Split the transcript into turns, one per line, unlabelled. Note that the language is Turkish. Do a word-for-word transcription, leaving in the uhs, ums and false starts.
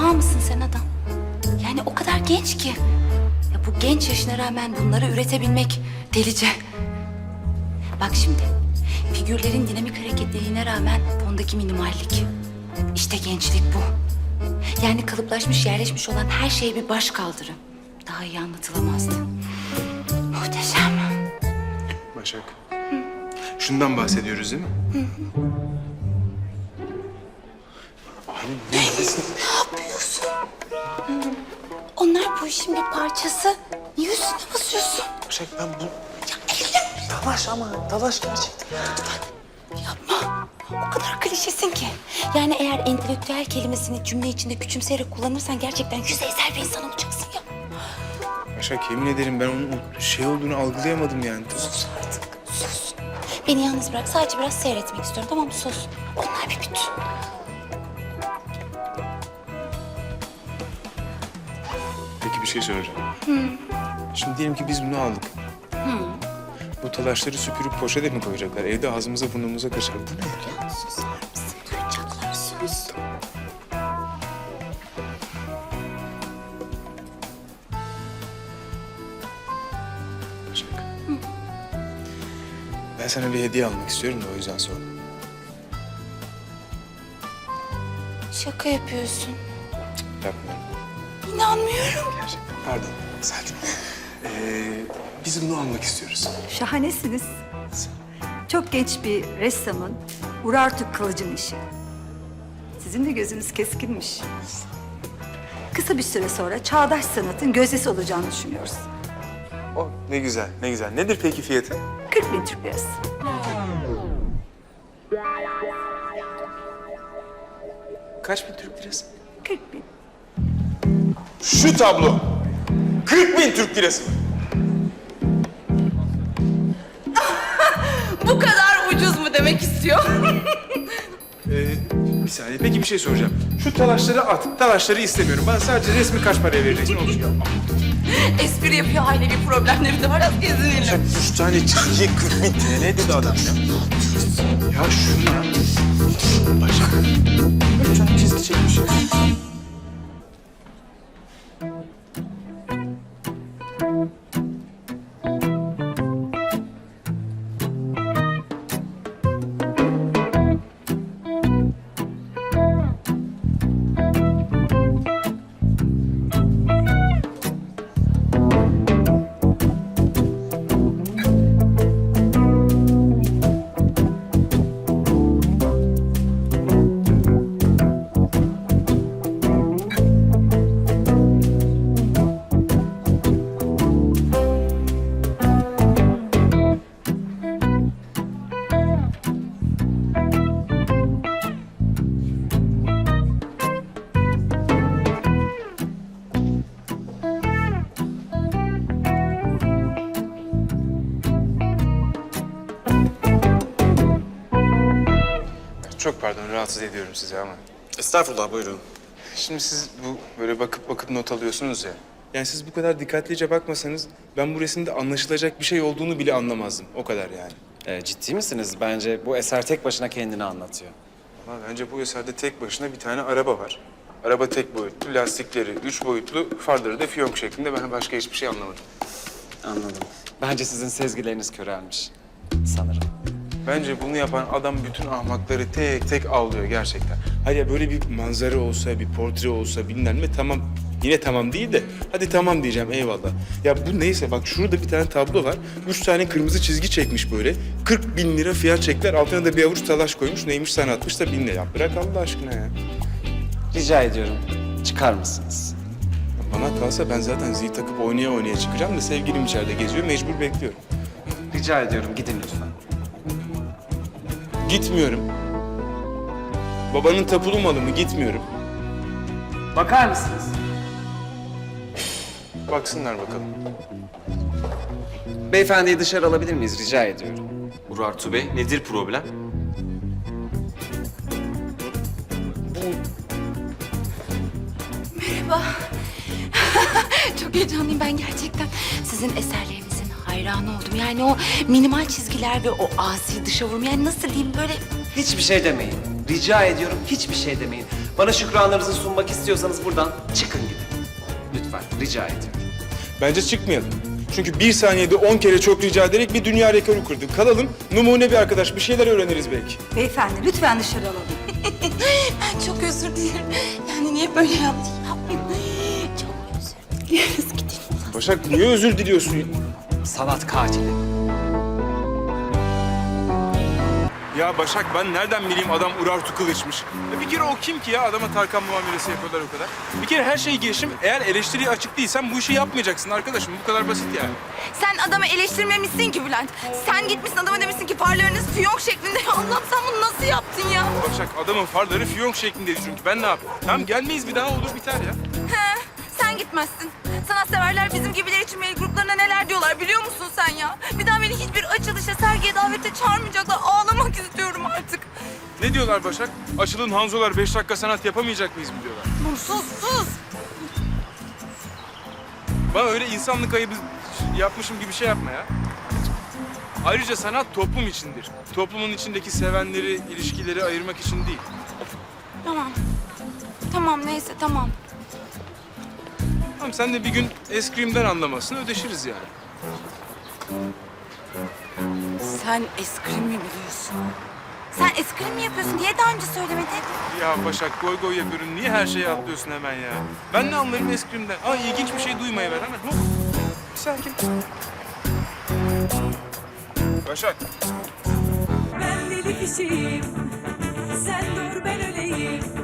sağ mısın sen adam? Yani o kadar genç ki. Ya bu genç yaşına rağmen bunları üretebilmek delice. Bak şimdi, figürlerin dinamik hareketliliğine rağmen fondaki minimallik. İşte gençlik bu. Yani kalıplaşmış, yerleşmiş olan her şeye bir baş kaldırı. Daha iyi anlatılamazdı. Muhteşem.
Başak. Şundan bahsediyoruz değil mi? Abi neredesin?
Ne yapıyorsun? Onlar bu işin bir parçası. Niye üstüne basıyorsun?
Başak ben bu...
Ya elim.
Dalaş ama, dalaş gerçekten.
Yapma. O kadar klişesin ki. Yani eğer entelektüel kelimesini cümle içinde küçümseyerek kullanırsan gerçekten yüzeysel bir insan olacaksın ya.
Başak yemin ederim ben onun o şey olduğunu algılayamadım yani.
Sus artık, sus. Beni yalnız bırak. Sadece biraz seyretmek istiyorum, tamam mı? Sus. Onlar bir bütün.
Peki bir şey soracağım. Şimdi diyelim ki biz bunu aldık. Bu talaşları süpürüp poşete mi koyacaklar? Evde ağzımıza burnumuza kaçar. Bu ne?
Ya susar mısın? Duyacaklar, sus.
Başak. Ben sana bir hediye almak istiyorum da o yüzden sordum.
Şaka yapıyorsun.
Yapmıyorum.
İnanmıyorum.
Gerçekten. Pardon. Sakin. Ee, biz bunu almak istiyoruz.
Şahanesiniz. Çok genç bir ressamın Urartu Kılıç'ın işi. Sizin de gözünüz keskinmiş. Kısa bir süre sonra çağdaş sanatın gözdesi olacağını düşünüyoruz.
Oh ne güzel, ne güzel. Nedir peki fiyatı?
kırk bin Türk lirası.
Kaç bin Türk lirası?
kırk bin.
Şu tablo. kırk bin Türk lirası.
Bu kadar ucuz mu demek istiyor?
Ee, bir saniye. Peki bir şey soracağım. Şu talaşları at. Talaşları istemiyorum. Bana sadece resmi kaç paraya vereceksin? Olmuş ya.
Espri yapıyor, ailevi problemleri de var. Az gezinelim.
Üç tane çizgiye kırk bin T L dedi adam ya. Ya şuna. Başak. Üç tane çizgi çekmiş. Çok pardon, rahatsız ediyorum sizi ama.
Estağfurullah, buyurun.
Şimdi siz bu böyle bakıp bakıp not alıyorsunuz ya. Yani siz bu kadar dikkatlice bakmasanız ben bu resimde anlaşılacak bir şey olduğunu bile anlamazdım. O kadar yani.
Ee, ciddi misiniz? Bence bu eser tek başına kendini anlatıyor.
Ama bence bu eserde tek başına bir tane araba var. Araba tek boyutlu, lastikleri üç boyutlu, farları da fiyonk şeklinde. Ben başka hiçbir şey anlamadım.
Anladım. Bence sizin sezgileriniz körelmiş. Sanırım.
Bence bunu yapan adam bütün ahmakları tek tek avlıyor gerçekten. Hadi ya böyle bir manzara olsa, bir portre olsa bilmem ne tamam. Yine tamam değil de hadi tamam diyeceğim eyvallah. Ya bu neyse bak şurada bir tane tablo var. Üç tane kırmızı çizgi çekmiş böyle. kırk bin lira fiyat çekler. Altına da bir avuç talaş koymuş. Neymiş sanatmış da bin lira. Ya bırak Allah aşkına ya.
Rica ediyorum. Çıkar mısınız?
Bana kalsa ben zaten zil takıp oynaya oynaya çıkacağım da sevgilim içeride geziyor. Mecbur bekliyorum.
Rica ediyorum. Gidin lütfen.
Gitmiyorum. Babanın tapulu malı mı? Gitmiyorum.
Bakar mısınız?
Baksınlar bakalım.
Beyefendiyi dışarı alabilir miyiz? Rica ediyorum.
Urartu Bey, nedir problem?
Merhaba. Çok heyecanlıyım ben gerçekten. Sizin eserlerinizin hayranı oldum. Yani o minimal çizgiler ve o asi dışa vurma. Yani nasıl diyeyim böyle...
Hiçbir şey demeyin. Rica ediyorum hiçbir şey demeyin. Bana şükranlarınızı sunmak istiyorsanız buradan çıkın gidin. Lütfen, rica ediyorum.
Bence çıkmayalım. Çünkü bir saniyede on kere çok rica ederek bir dünya rekoru kırdık. Kalalım, numune bir arkadaş, bir şeyler öğreniriz belki.
Beyefendi lütfen dışarı alalım.
Ben çok özür dilerim. Yani niye böyle yaptın? Yapmayın. Çok özür dileriz. Gidelim.
Başak niye özür diliyorsun?
Sanat katili.
Ya Başak ben nereden bileyim adam Urartu Kılıç'mış. Ya bir kere o kim ki ya? Adama Tarkan muamelesi yapıyorlar o kadar. Bir kere her şey girişim. Eğer eleştiriye açık değilsen bu işi yapmayacaksın arkadaşım. Bu kadar basit yani.
Sen adamı eleştirmemişsin ki Bülent. Sen gitmişsin adama demişsin ki farlarınız fiyonk şeklinde. Ya Allah'ım sen bunu nasıl yaptın ya?
Başak adamın farları fiyonk şeklindeydi çünkü. Ben ne yapayım? Tamam gelmeyiz bir daha olur biter ya.
He, sen gitmezsin. Sanatseverler bizim gibiler için mail gruplarına neler diyorlar biliyor musun sen ya? Bir daha beni hiçbir açılışa, sergiye, davete çağırmayacaklar. Ağlamak istiyorum artık.
Ne diyorlar Başak? Açılın Hanzolar beş dakika sanat yapamayacak mıyız mı diyorlar?
Sus, sus.
Bana öyle insanlık ayıbı yapmışım gibi şey yapma ya. Ayrıca sanat toplum içindir. Toplumun içindeki sevenleri, ilişkileri ayırmak için değil.
Tamam. Tamam neyse tamam.
Tamam sen de bir gün eskrimden anlamazsın, ödeşiriz yani.
Sen eskrim mi biliyorsun? Sen eskrim mi yapıyorsun? Niye daha önce söylemedin?
Ya Başak goy goy yapıyorum. Niye her şeye atlıyorsun hemen ya? Ben ne anlarım eskrimden? Aa ilginç bir şey duymaya ver hemen. Hop. Bir sakin. Başak.
Ben deli kişiyim, sen dur ben öleyim.